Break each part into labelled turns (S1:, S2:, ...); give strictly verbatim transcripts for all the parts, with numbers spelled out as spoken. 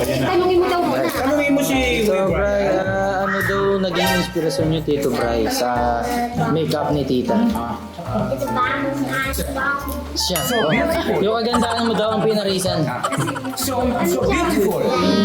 S1: Tanungin mo daw muna.
S2: Tanungin mo si
S3: So, Bray, ah, ano daw naging inspirasyon niyo, Tito Bray, sa makeup ni Tita? Siya. Oh. Yung kagandahan mo daw ang pinarisan.
S2: So, so beautiful.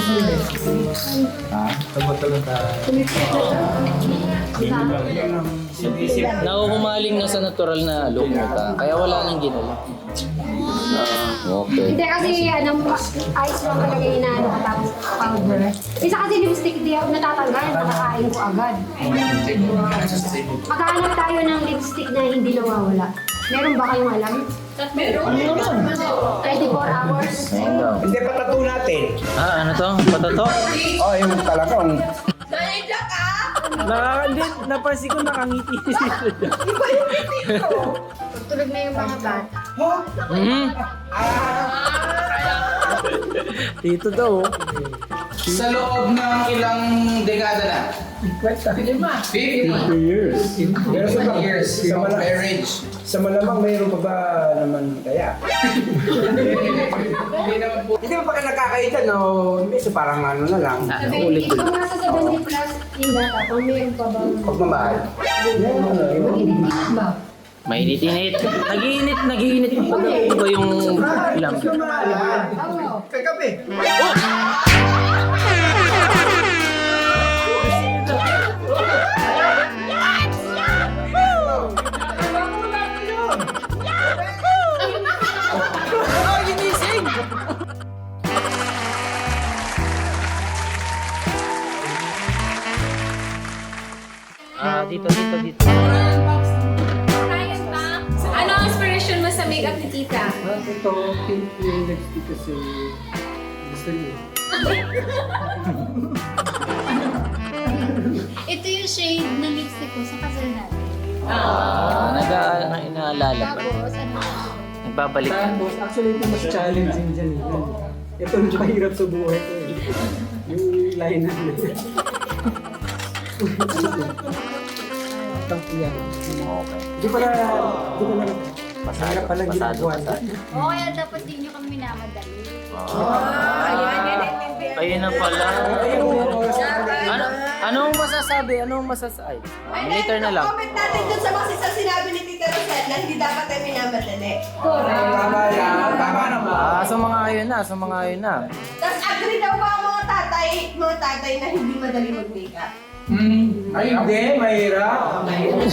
S3: Nahuhumaling na sa natural na look mo ta. Kaya wala nang ginala. Ah, okay.
S1: Hindi kasi ano, ice lang talaga yung inaano ka tapos powder. Isa kasi lipstick di ako natatanggal, nakakain ko agad. Maghanap tayo ng lipstick na hindi nawawala. Meron ba kayong alam? Meron. twenty-four hours.
S3: Ayun daw.
S2: Hindi, patato natin.
S3: Ah, ano to? Patato?
S2: Oh, yung talagang.
S4: Nakakandi, napansin ko nakangiti si Tito.
S1: Tulog na yung mga bata.
S3: Hmm?
S4: Tito daw.
S5: Sa loob ng ilang dekada na? fifty
S2: years. Pero sa
S5: fifty years
S2: sa,
S5: of
S2: mala-
S5: marriage.
S2: sa malamang mayroon pa ba naman kaya?
S5: Hindi naman po.
S2: Hindi mo pa ka nakakaita, no? Minsan parang ano na lang.
S3: Ulit
S1: Ikaw
S3: ulit.
S1: nasa seventy plus yung data, kung meron pa bang
S2: Pagmamahal.
S1: magiging ba?
S3: Mainit-init. Nag-iinit, nag-iinit pa daw ba yung ilang?
S1: Oo.
S2: Kagabi.
S3: Ah, dito, dito, dito.
S6: Ryan ba? Ano ang inspiration mo sa makeup ni Tita?
S4: Ito, pink yung lipstick kasi gusto niya.
S7: Ito yung shade ng lipstick ko sa kasal natin.
S3: Ah, nag- na inaalala pa.
S7: Tapos, ano,
S3: Nagbabalik.
S4: Tapos, actually ito mas challenging dyan. eh. Ito yung mahirap sa buhay ko. eh. Yung line na yun. Ito, yan.
S3: Okay.
S4: Hindi pala, hindi pala,
S3: Pasado,
S4: pala
S3: pasado,
S4: ginagawa.
S3: pasado.
S7: oo, kaya dapat din nyo kami minamadali.
S3: Ayun na pala. Ano, anong masasabi? Anong masasabi? Later na lang.
S8: Comment natin dun sa mga sa sinabi ni Tita Rosette na hindi dapat tayo minamadali.
S2: Tama yan. Tama naman.
S3: Ah, so mga ayun na, so mga ayun na.
S8: Tapos agree daw ba ang mga tatay, mga tatay na hindi madali mag-makeup?
S2: Ay, hindi. Mahirap.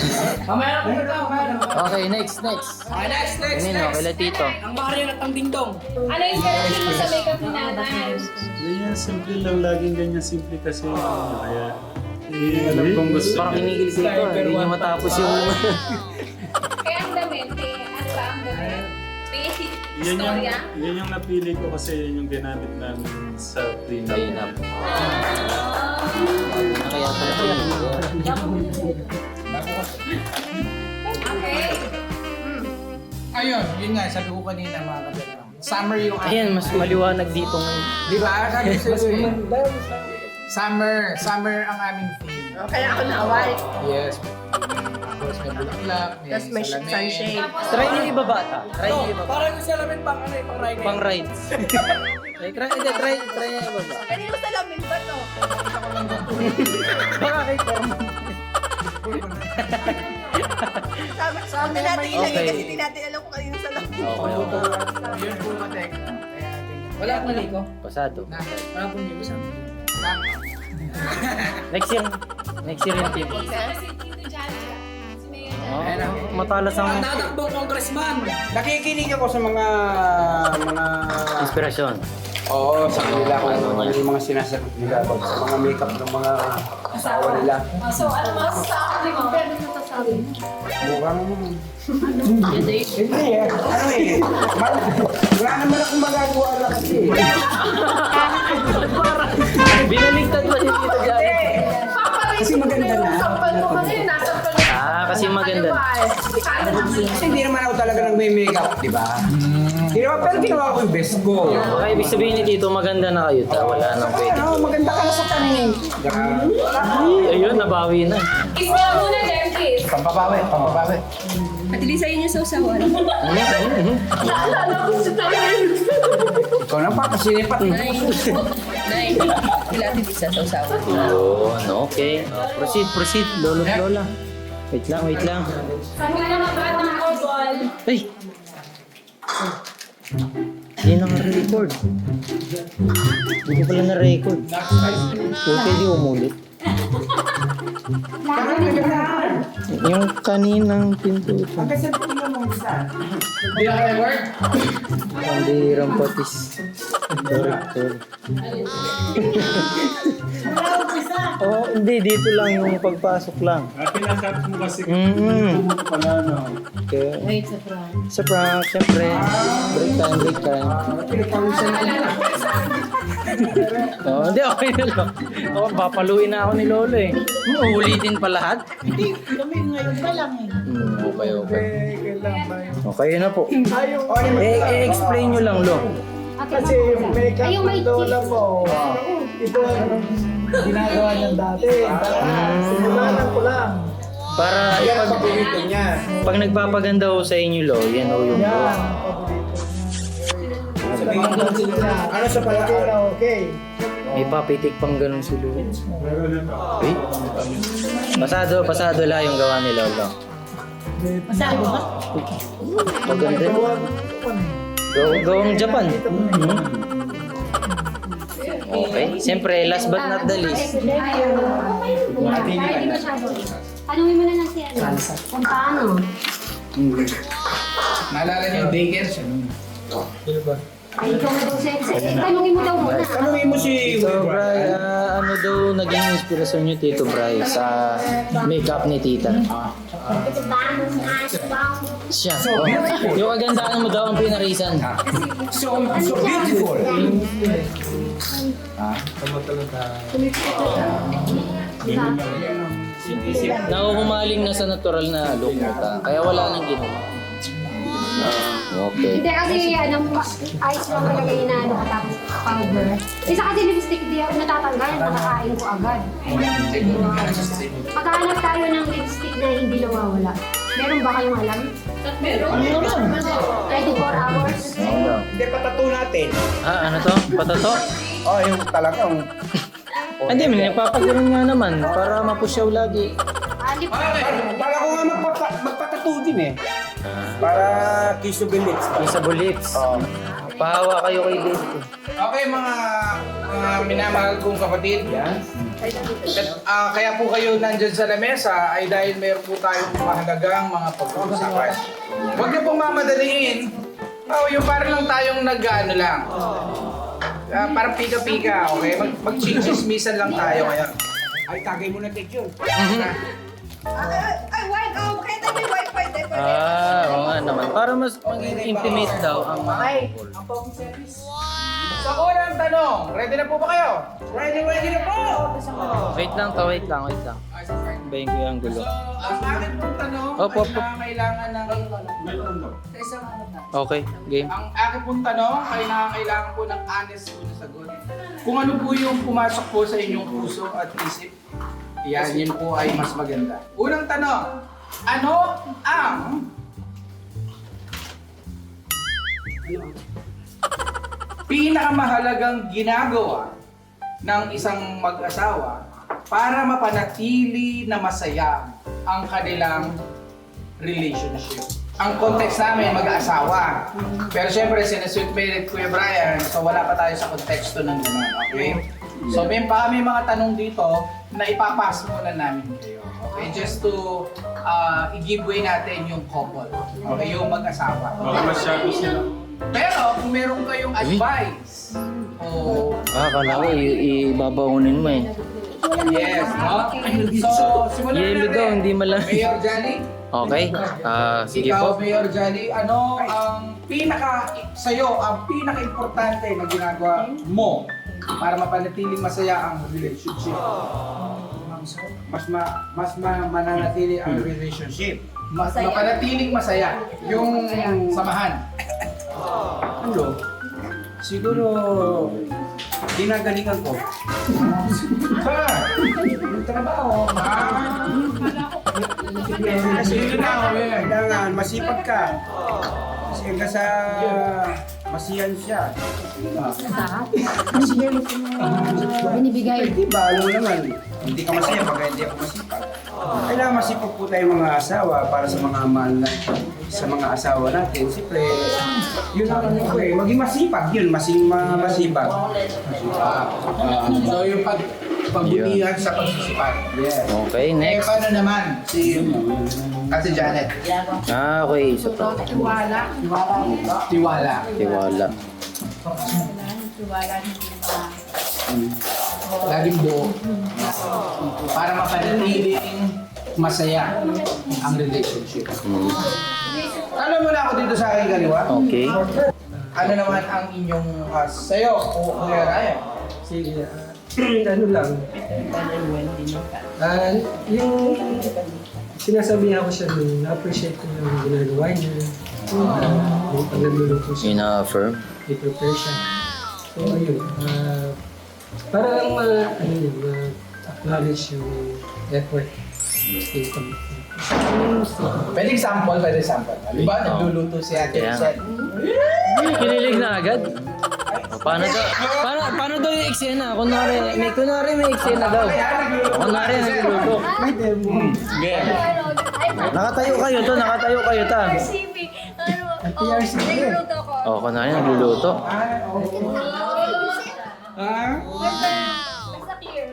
S3: Okay, next, next.
S5: Okay, next, next,
S3: Nino,
S5: next.
S3: kila Tito.
S5: Ang Mario at ang Dingdong.
S6: Ano yung inspiration mo sa makeup ni Nanay?
S9: Ganyan, simple lang. Laging ganyan simple kasi yung ano, kaya hindi alam kong gusto
S3: Parang
S9: niya.
S3: kinigil si Tito. Hindi niya matapos yung...
S6: Kaya ang damit, eh, ano ba ang damit? May
S9: Yan yung,
S6: istorya?
S9: yan yung napili ko kasi yan yung ginamit namin sa prenup.
S3: Ayun na. Na kaya pala
S6: Okay.
S5: Ayun, yun nga, sabi ko kanina mga kagalang. Summer yung
S3: Ayan, mas maliwanag dito ngayon.
S5: Di ba? Sabi ko sa'yo eh. Summer, summer ang aming theme.
S8: Kaya ako nawal.
S5: Yes. Tapos may bulaklak, may
S8: Tapos may
S5: salamin.
S8: sunshade.
S3: Try niyo iba bata. Try niyo iba.
S5: Parang yung salamin pang ano eh, pang ride.
S3: Pang rides. Try, try, hindi, try, try niyo iba ba?
S8: Kanino salamin ba to?
S3: Baka kay Form.
S8: Sabi, sabi natin ilagay
S3: Okay.
S8: kasi di natin alam kung kanino salamin.
S3: Okay, okay.
S5: Yun po matek. Kaya ganyan. Wala akong liko.
S3: Pasado.
S5: Wala akong liko sa amin.
S3: Next year. Next year yung team.
S6: Isa na si Tito Jaja. Si Mayor
S3: Oh, matalas ang
S5: Tatakbong congressman.
S2: Nakikinig ako sa mga mga
S3: inspirasyon.
S2: Oo, sa kanila kung ano yung mga sinasagot nila about sa mga makeup ng mga asawa nila.
S6: So, ano masasabi mo?
S2: Mukhang... Hindi eh. Ano eh. Mar- Wala naman akong magagawa lang kasi.
S3: Binaligtad ba si Tito Jared?
S2: Kasi maganda na.
S6: Sampal mo kasi, nasampal mo.
S3: Ah, kasi maganda.
S2: Kasi hindi naman ako talaga nagme-makeup, di ba? Hindi naman, pero ginawa ko yung best ko.
S3: Baka ibig sabihin ni Tito, maganda na kayo. Ta, wala nang pwede.
S2: Ano, maganda ka na sa tanin.
S3: Ayun, nabawi na.
S6: Kiss niya muna, then kiss.
S5: Pampabawi, pampabawi.
S6: At least sa inyo sa usawan.
S2: Ikaw na pa, kasi lipat.
S6: Nine. Nine. Kilati di sa usawan.
S3: Yun, okay. Uh, proceed, proceed. Lolo, lola. Wait lang, wait lang. Ay! Hindi naka-record. Hindi ko pala na-record. Okay, di umulit. Yung kaninang pinto.
S2: Hanggang sa tingnan mo isa.
S5: Hindi na kayo work?
S3: Hindi rampatis. Sorry, sorry. Oh, hindi. Dito lang yung pagpasok lang.
S9: Ah, pinakat mo kasi
S3: Mm-mm.
S9: kung pala, no?
S3: Okay. Wait, sa prank. Sa prank, syempre. Break time, break time. Oh, hindi, okay na lang. Oh, papaluin na ako ni Lolo eh. Uulitin pa lahat?
S4: Hindi, kami ngayon pa lang eh.
S3: Hmm, okay, okay.
S4: kailan ba yun?
S3: Okay na po. Eh, eh-explain nyo lang, Lo.
S4: Kasi yung makeup
S1: Ay, yung may
S4: ng lola mo, ito ang ginagawa niyan dati. Simulan ko lang.
S3: Para
S2: Yan ang
S3: ipag...
S2: paborito niya.
S3: Pag nagpapaganda ho sa inyo, Lo, yan ho yung
S4: Yan,
S3: Lo.
S4: paborito niya.
S2: Ano sa pala?
S4: Okay na okay.
S3: May papitik pang ganun si Lo.
S9: Pero na.
S3: Wait. Pasado, pasado lang yung gawa ni Lolo.
S4: Masado ka?
S3: Maganda. Gaw gawang Japan. Mhm. Okay. Siyempre, last but not the least.
S1: Hindi masyado. Tanungin mo na lang si ano. Kung paano.
S5: Naalala niyo yung daycare siya.
S1: Ay, ikaw na daw siya. Tanungin mo daw muna.
S2: Tanungin mo si
S3: Tito Bray, ah, ano daw naging inspirasyon niyo, Tito Bray, sa makeup ni Tita? Siya. Oh. Yung kagandaan mo daw ang pinarisan.
S2: So, so beautiful.
S3: Nahuhumaling na sa natural na look mo ta. Kaya wala nang ginawa. Ah, okay.
S1: Hindi kasi ano, ice lang talaga inaano ka tapos powder. Isa kasi lipstick di ako natatanggal, makakain ko agad. Pagkahanap tayo ng lipstick na hindi nawawala. Meron ba kayong alam?
S6: Meron.
S1: twenty-four hours?
S2: Hindi, patato natin.
S3: Ah, ano to? Patato?
S2: Oh, yung talagang...
S3: Hindi, may nagpapagano'n nga naman para mapusyaw lagi.
S1: Ah, lipstick.
S2: Para ko nga magpapa, magpatato din eh. Para kissable lips.
S3: Kissable lips. Pahawa kayo kay Dave.
S5: Okay mga mga minamahal kong kapatid. Ah, kaya po kayo nandyan sa lamesa ay dahil meron po tayong mahalagang mga pag-uusapan. Huwag niyo pong mamadaliin. Oh, yung parang lang tayong nag-ano lang. Ah, parang pika-pika, okay? Mag Mag-chichismisan lang tayo ngayon.
S2: Ay, tagay mo na take yun.
S8: Ay, ay, wine, oh, kaya tayo may wifi tayo.
S3: Ah, oo nga naman. Para mas maging intimate daw ang mga couple.
S5: Sa unang tanong, ready na po ba kayo?
S2: Ready, ready na po!
S3: Wait lang to, wait lang, wait lang. Bayin ko yung gulo.
S5: So, ang akin pong tanong
S3: Opo,
S5: ay
S3: opo.
S5: nakakailangan ng...
S3: Okay, game.
S5: Ang akin pong tanong ay nakakailangan po ng honest po na sagot. Kung ano po yung pumasok po sa inyong puso at isip, yan, yun po ay mas maganda. Unang tanong, ano ang pinakamahalagang ginagawa ng isang mag-asawa para mapanatili na masaya ang kanilang relationship? Ang context namin, mag-asawa. Pero syempre, sinasweet merit Kuya Brian, so wala pa tayo sa konteksto ng gano'n, okay? So may pa may mga tanong dito na ipapas muna namin kayo. Okay, just to uh, i-give way natin yung couple. Okay, yung mag-asawa.
S9: Baka masyado sila.
S5: Pero kung meron kayong advice, o
S3: Ah, kala ko i- ibabaunin mo eh.
S5: yes, no? So, simulan na
S3: Yelo daw, hindi malam.
S5: Mayor Johnny,
S3: Okay, ah, sige
S5: ikaw,
S3: po.
S5: Mayor Johnny, ano ang pinaka, sa'yo, ang pinaka-importante na ginagawa mo para mapanatiling masaya ang relationship?
S2: Mas ma, mas ma, mananatili ang relationship.
S5: Mas mapanatiling masaya yung samahan.
S2: Ano? Siguro, ginagalingan ko.
S5: Ha?
S2: Yung trabaho,
S5: Ah,
S2: Kasi yun na, kailangan masipag ka. Kasi ka sa masiyan siya.
S1: Binibigay.
S2: Di ba, alam mo naman, hindi ka masaya pag hindi ako masipag. Kailangan masipag po tayo mga asawa para sa mga mahal na, sa mga asawa natin. Siyempre, yun ang ano ko eh. Maging masipag yun, masing ma- masipag.
S5: So yung pag pagbutihan sa pagsisipag.
S2: Yeah.
S3: Okay,
S5: Eh,
S3: next.
S5: paano naman si Ate Janet?
S3: Ah, okay. Isa pa.
S8: Tiwala.
S5: Tiwala.
S3: Tiwala.
S8: Tiwala hindi ba?
S5: Laging buo. Para mapanatiling masaya ang relationship.
S3: Mm.
S5: Alam mo na ako dito sa aking kaliwa?
S3: Okay.
S5: Ano naman ang inyong uh, sa'yo o Kuya Ryan?
S4: Sige, ah, ano lang. Ah, yung sinasabihan ko siya nung na-appreciate ko yung ginagawa niya. Ah, yung pag nagluluto siya,
S3: Ina-affirm.
S4: i-prepare siya. So, ayun. ah, para lang ma, ano yun, ma-acknowledge yung effort. Yung commitment.
S5: Pwede sample, pwede sample. Di ba, nagluluto si Ate
S3: Kaya.
S5: Rosel?
S3: Kinilig na agad. O, paano daw? Paano, paano daw yung eksena? Kunwari, may, kunwari may eksena daw. O, kunwari, nagluluto. Game. Nakatayo kayo to, nakatayo kayo ta.
S7: R C B. Ano? Oh, nagluluto ko.
S3: O, kunwari, nagluluto.
S7: Basta clear.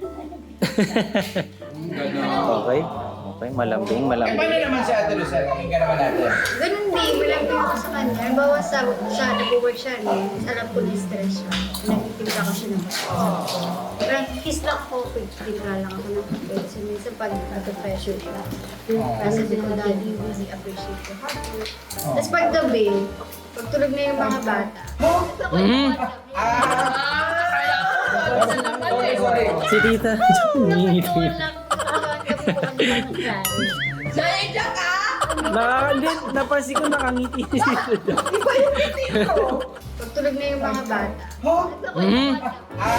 S3: Okay. Okay, malambing,
S5: Eh,
S3: malambing.
S5: paano naman si Ate Rosel? Pakinggan naman natin.
S7: Ganun din, malambing ako sa kanya. Halimbawa sa, sa nag-work siya rin, alam ko na-stress siya. Nagtitimpla ko siya ng parang kiss lang ako, timpla lang ako ng kape. So minsan pag nag-pressure siya, kasi din ko daddy, really appreciate ko. Tapos pag gabi, pag tulog na yung mga bata, ako yung
S3: Mhm.
S7: bata.
S5: Sorry, sorry.
S3: Si tita.
S7: Nakatuwa lang, nakakabukan lang ng klaro.
S8: Nandiyan ka!
S4: Nakakandi, napansin ko nakangiti si Tito.
S7: Pag tulog na yung mga bata, ako
S3: Mhm.
S7: yung bata.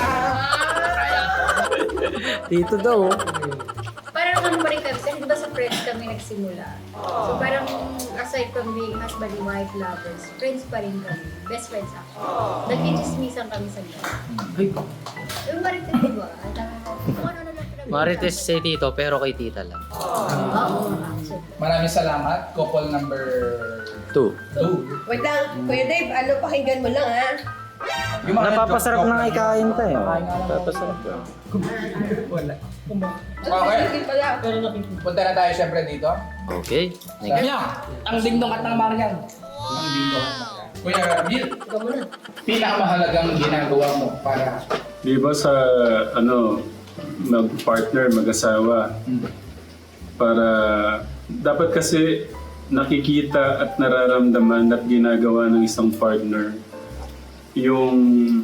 S4: Tito daw. oh.
S7: Parang ano pa rin kami, kasi di ba sa friends kami nagsimula. So parang aside from being husband and wife lovers, friends pa rin kami. Best friends actually. Nagkichismisan kami sa gabi.
S4: Ay,
S7: Yung marites, di ba? At ah, kung ano na lang pinag-
S3: Marites si tito, pero kay tita lang.
S7: Oo, actually.
S5: Maraming salamat. Couple number
S3: Two.
S5: two.
S8: Wait lang, Kuya Dave, ano, pakinggan mo lang ha?
S5: Yung mga
S3: Napapasarap
S5: joke-joke
S3: na
S5: lang.
S3: ikain tayo. Napapasarap na.
S4: wala.
S5: Okay.
S8: Sige pala.
S5: Punta na tayo siyempre dito.
S3: Okay. Next.
S5: Ang dingdong at ng Marian. Ang dingdong. Kuya Bill, pinakamahalagang ginagawa mo para
S9: Di ba sa ano, mag-partner, mag-asawa, para dapat kasi nakikita at nararamdaman at ginagawa ng isang partner yung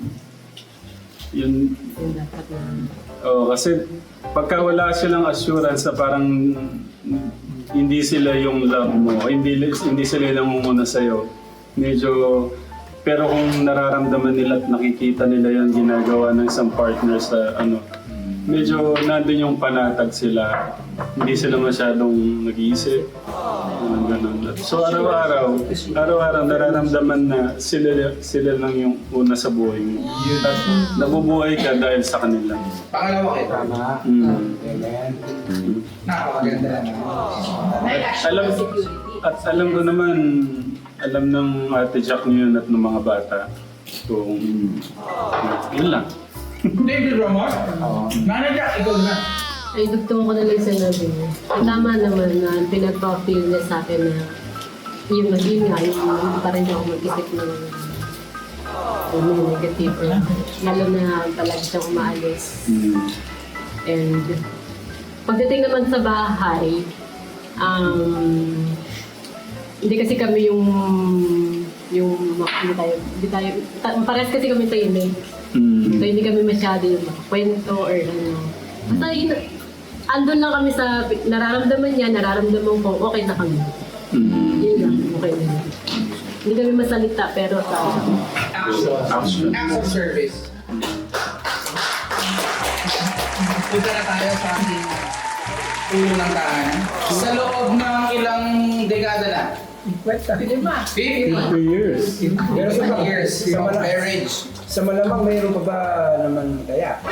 S9: yung oh, kasi pagka wala silang assurance na parang hindi sila yung love mo, hindi hindi sila yung muna sa'yo, medyo. Pero kung nararamdaman nila at nakikita nila yung ginagawa ng isang partner sa ano, medyo nandun yung panatag sila. Hindi sila masyadong nag-iisip. Ganun, ganun. So araw-araw, araw-araw nararamdaman na sila, sila lang yung una sa buhay mo. At nabubuhay ka dahil sa kanila.
S5: pangalawa kita.
S9: Mm.
S5: Amen.
S9: Mm.
S5: Napakaganda naman.
S9: Alam, at alam ko naman, alam ng Ate Jack yun at ng mga bata kung yun lang.
S5: David Ramos, Nanay Jack, ikaw na.
S10: Ay, dugtong ko na lang sinabi niya. Tama naman na pinagpa-feel niya sa akin na yung naging nga, yung hindi pa rin ako mag-isip ng yung negative. Lalo na palagi siyang umaalis.
S9: Mm.
S10: And pagdating naman sa bahay, um, hindi kasi kami yung yung hindi tayo, hindi tayo, ta, parehas kasi kami tahimik.
S9: Mm.
S10: So hindi kami masyado yung makakwento or ano. Basta yun, andun lang kami sa nararamdaman niya, nararamdaman ko, okay na kami.
S9: Mm.
S10: Yun lang, okay na. Hindi kami masalita pero sa
S5: Action. Acts of service. Punta na tayo sa ating unang tahanan? Sa loob ng ilang dekada na? fifty
S9: years.
S2: Pero sa mga
S5: years
S2: sa,
S5: of
S2: mala-
S5: marriage.
S2: sa malamang mayroon pa ba naman kaya?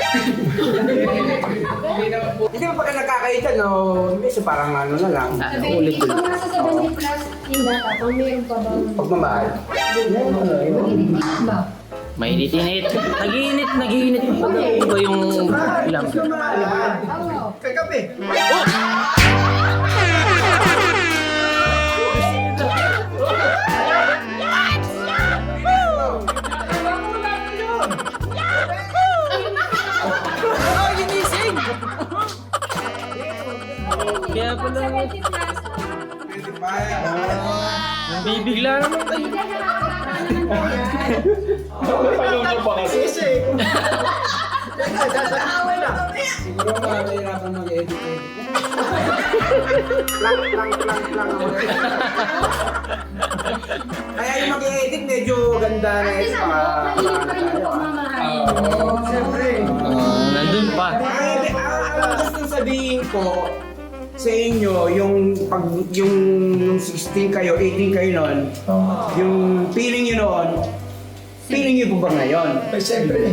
S5: Hindi naman po.
S2: Hindi mo pagka nakakaita, no? Minsan parang ano na lang.
S3: Ulit
S1: Kung
S3: ulit.
S1: nasa seventy plus yung data, kung meron pa ba?
S2: Pagmamahal.
S1: Hindi ba?
S3: Mainit-init. Nag-iinit, nag-iinit. Iba yung ilang.
S1: Oo.
S2: Kagabi.
S3: Kaya pala,
S1: seventy plus.
S3: bibigla naman tayo.
S1: Hindi na nakakatawa naman po yan.
S2: Siguro mga nahirapan mag-edit. Lang, lang, lang, lang. Kaya yung mag-edit medyo ganda na
S1: Kasi
S2: ito.
S1: sa
S2: Baka...
S1: mainit pa rin yung pagmamahal.
S2: Siyempre.
S3: Ah, nandun pa.
S2: Ang ang gusto sabihin ko sa inyo, yung pag yung, yung sixteen kayo, eighteen kayo noon, yung feeling nyo noon, feeling nyo po ba ngayon?
S4: Ay, siyempre.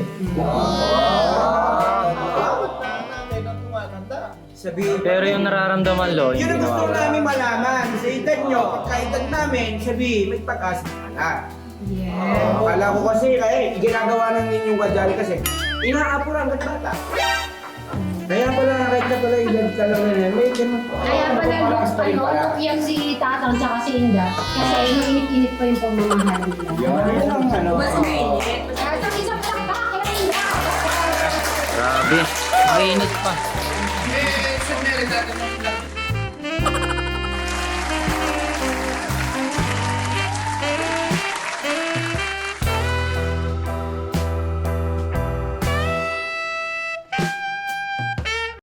S2: Sabihin,
S3: Pero yung nararamdaman, lo,
S2: yun
S3: hindi
S2: ang gusto
S3: nawawala.
S2: namin malaman. Sa edad nyo, pagkaedad namin, sabihin, may pag-asa ka na. Yeah. Akala ko kasi, kaya ginagawa ng ninyong kadyali kasi, inaapuran ka bata. Kaya pala, kahit na pala edad ka lang na, may ganun po.
S1: Kaya pala
S2: Malakas pa rin
S1: ano,
S2: pala.
S1: umiyak si Tatang tsaka si Inda. Kasi mainit-init pa yung pagmamahal nila.
S2: Yun ang ano.
S1: Kaya sa isang palakpak, kaya Inda.
S3: Grabe. Mainit pa.